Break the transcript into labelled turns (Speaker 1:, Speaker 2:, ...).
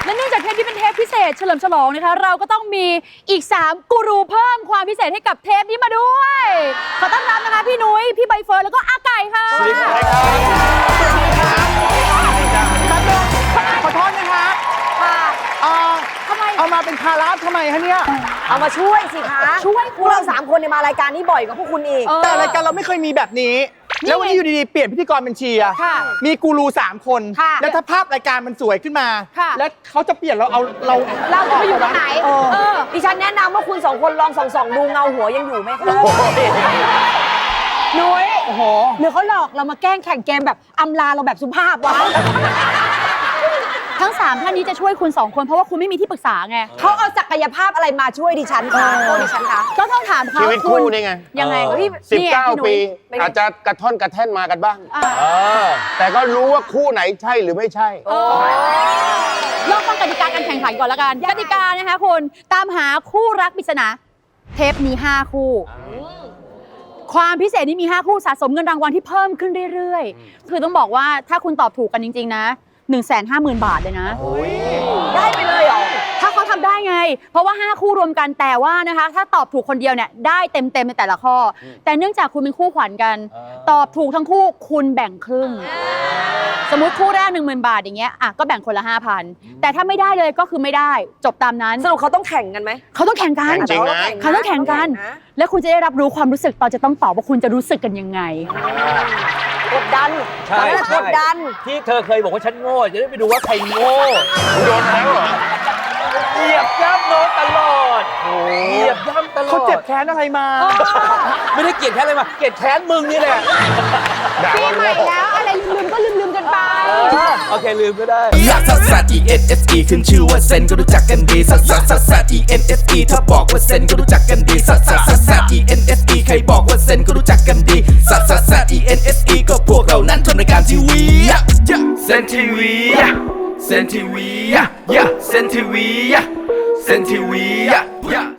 Speaker 1: และเนื่องจากเทปนี้เป็นเทปพิเศษเฉลิมฉลองนะคะเราก็ต้องมีอีก3กูรูเพิ่มความพิเศษให้กับเทปนี้มาด้วยขอต้อนรับนะคะพี่นุ้ยพี่ใบเฟิร์นแล้วก็อาไก่ค่ะสวัสดีครับ
Speaker 2: ขอโทษนะคะ
Speaker 1: ทำไม
Speaker 2: เอามาเป็นภาระทำไมคะเนี่ย
Speaker 3: เอามาช่วยสิคะ
Speaker 1: ช่วย
Speaker 3: พวกเรา3 คนเนี่ยมารายการนี้บ่อยกว่าพวกคุณอีก
Speaker 2: แต่รายการเราไม่เคยมีแบบนี้แล้ววันนี้อยู่ดีๆเปลี่ยนพิธีกรเป็นเชียร์มีกูรู3 คนแล้วถ้าภาพรายการมันสวยขึ้นมาแล้วเขาจะเปลี่ยนเรา
Speaker 1: จะไปอยู่ตรงไหน
Speaker 3: ดิฉันแนะนำว่าคุณ2 คนลองส่องดูเงาหัวยังอยู่ไหมคะ
Speaker 1: นุ้ยโอ้โหหรือเขาหลอกเรามาแกล้งแข่งเกมแบบอำลาเราแบบสุภาพวะทั้ง3ท่านนี้จะช่วยคุณ2 คนเพราะว่าคุณไม่มีที่ปรึกษาไง
Speaker 3: เขาเอาศักยภาพอะไรมาช่วยดิฉันคะดิฉันคะ
Speaker 1: ก็ต้องถามเขา
Speaker 4: ชีวิตคู่นี่ไง
Speaker 1: ยังไงพี่
Speaker 4: 19 ปีอาจจะกระท่อนกระแท่นมากันบ้างแต่ก็รู้ว่าคู่ไหนใช่หรือไม่ใช่
Speaker 1: ลองฟังกติกาการแข่งขันก่อนละกันกติกานะคะคุณตามหาคู่รักปริศนาเทปมี5 คู่ความพิเศษนี้มี5 คู่สะสมเงินรางวัลที่เพิ่มขึ้นเรื่อยๆคือต้องบอกว่าถ้าคุณตอบถูกกันจริงๆนะ150,000 บาทเลยนะ
Speaker 3: ได้ไปเลยเหรอ
Speaker 1: ถ้าเขาทำได้ไงเพราะว่า5 คู่รวมกันแต่ว่านะคะถ้าตอบถูกคนเดียวเนี่ยได้เต็มในแต่ละข้อแต่เนื่องจากคุณเป็นคู่ขวัญกันตอบถูกทั้งคู่คุณแบ่งครึ่งสมมติคู่แรก10,000 บาทอย่างเงี้ยอ่ะก็แบ่งคนละ 5,000แต่ถ้าไม่ได้เลยก็คือไม่ได้จบตามนั้น
Speaker 3: สรุปเขาต้องแข่งกันไหม
Speaker 1: เขาต้องแข่งกัน
Speaker 4: จริงนะ
Speaker 1: เขาต้องแข่งกันแล้วคุณจะได้รับรู้ความรู้สึกตอนจะต้องตอบว่าคุณจะรู้สึกกันยังไง
Speaker 3: กดดัน
Speaker 5: ใช่
Speaker 3: กดดัน
Speaker 5: ที่เธอเคยบอกว่าฉันโง่จะได้ไปดูว่าใครโง่
Speaker 4: โดนแล้วเหรอ
Speaker 5: เหยียบย่ำน้องตลอดเหยียบย่ำตลอด
Speaker 2: เขาเจ็บแค้นอะไรมา
Speaker 5: ไม่ได้เกลียดแค้นอะไรมาเกลียดแค้นมึงนี่แหละ
Speaker 1: ปีใหม่แล้วอะไรลืมก็ลืมกันไป
Speaker 5: โอเคลืมก็ได้
Speaker 6: ลักซัสซัส ENSE ขึ้นชื่อว่าเซนก็รู้จักกันดีซัสซัสซัสซัส ENSE ถ้าบอกว่าเซนก็รู้จักกันดีซัสซัสซัสซัส ENSE ใครบอกว่าเซนก็รู้จักกันดีซัสซัสซัส ENSE ก็พวกเรานั้นทำรายการทีวีเซนทีวีเซนทีวีเซนทีวีเซนทีวี